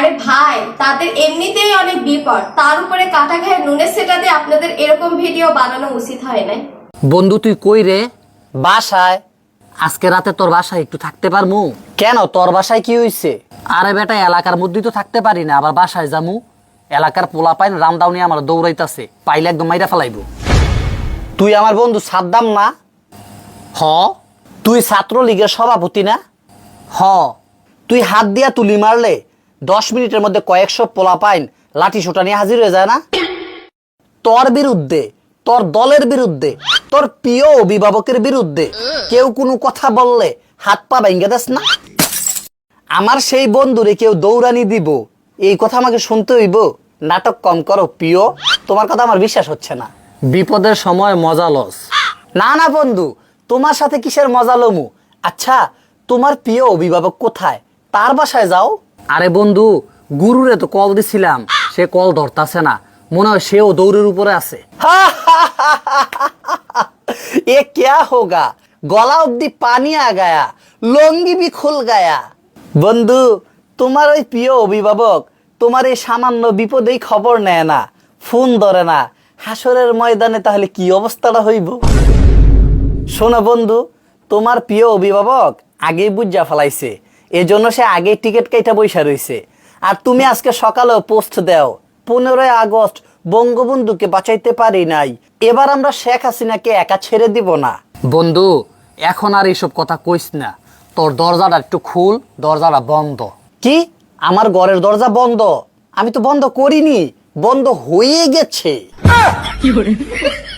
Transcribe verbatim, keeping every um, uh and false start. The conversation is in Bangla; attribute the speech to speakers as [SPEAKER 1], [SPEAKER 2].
[SPEAKER 1] আরে ভাই, তাদের এমনিতেই অনেক বিপদ, তার উপরে কাটা ঘায়ে নুনের সেটাতে আপনাদের এরকম ভিডিও বানানো উচিত হয় না।
[SPEAKER 2] বন্ধু তুই কই রে?
[SPEAKER 3] বাসায়।
[SPEAKER 2] আজকে রাতে তোর বাসায় একটু থাকতে পারমু?
[SPEAKER 3] কেন, তোর বাসায় কি হইছে?
[SPEAKER 2] আরে বেটা, এলাকার মধ্যেই তো থাকতে পারি না, আবার বাসায় যামু? এলাকার পোলা পাইন রামদাউনি আমার দৌড়াইতাছে, পাইলে একদম মাইরা ফেলাইবো।
[SPEAKER 3] তুই আমার বন্ধু সাদ্দাম না?
[SPEAKER 2] হ
[SPEAKER 3] তুই ছাত্রলীগের সভাপতি না?
[SPEAKER 2] হ
[SPEAKER 3] তুই হাত দিয়া তুলি মারলে দশ মিনিটের মধ্যে কয়েকশো পোলা পাইন লাঠি সোটা নিয়ে হাজির হয়ে যায় না? তোর বিরুদ্ধে, তোর দলের বিরুদ্ধে, তোর প্রিয় অভিভাবকের বিরুদ্ধে কেউ কোনো কথা বললে হাত পা ভেঙে দেস না? আমার সেই বন্ধুরে কেউ দৌড়ানি দিব, এই কথা আমাকে শুনতে হইব? নাটক কম করো প্রিয়, তোমার কথা আমার বিশ্বাস হচ্ছে না।
[SPEAKER 2] বিপদের সময় মজা লস।
[SPEAKER 3] না না বন্ধু, তোমার সাথে কিসের মজা লমু? আচ্ছা, তোমার প্রিয় অভিভাবক কোথায়? তার বাসায় যাও।
[SPEAKER 2] আরে বন্ধু, গুরুরে তো কল দিছিলাম, সে কল ধরতাছে না, মনে হয় সেও দৌড়ের উপরে আছে।
[SPEAKER 3] এ ক্যা হোগা, গলা অব্দি পানি আ গায়া, লঙ্গি ভি খুল গায়া। বন্ধু, তোমার ওই প্রিয় অভিভাবক তোমার এই সামান্য বিপদেই খবর নেয় না, ফোন ধরে না, হাসরের ময়দানে তাহলে কি অবস্থাটা হইব? শোনো বন্ধু, তোমার প্রিয় অভিভাবক আগেই বুঝা ফেলাইছে, এজন্য সে আগেই টিকিট কাইটা বইসা রইছে। আর তুমি আজকে সকালেও পোস্ট দাও, পনেরোই আগস্ট বঙ্গবন্ধুকে বাঁচাইতে পারি নাই, এবার আমরা শেখ হাসিনাকে একা ছেড়ে দিব না।
[SPEAKER 2] বন্ধু, এখন আর এইসব কথা কইস না, তোর দরজাটা একটু খুল, দরজাটা বন্ধ।
[SPEAKER 3] কি? আমার ঘরের দরজা বন্ধ? আমি তো বন্ধ করিনি, বন্ধ হয়ে গেছে।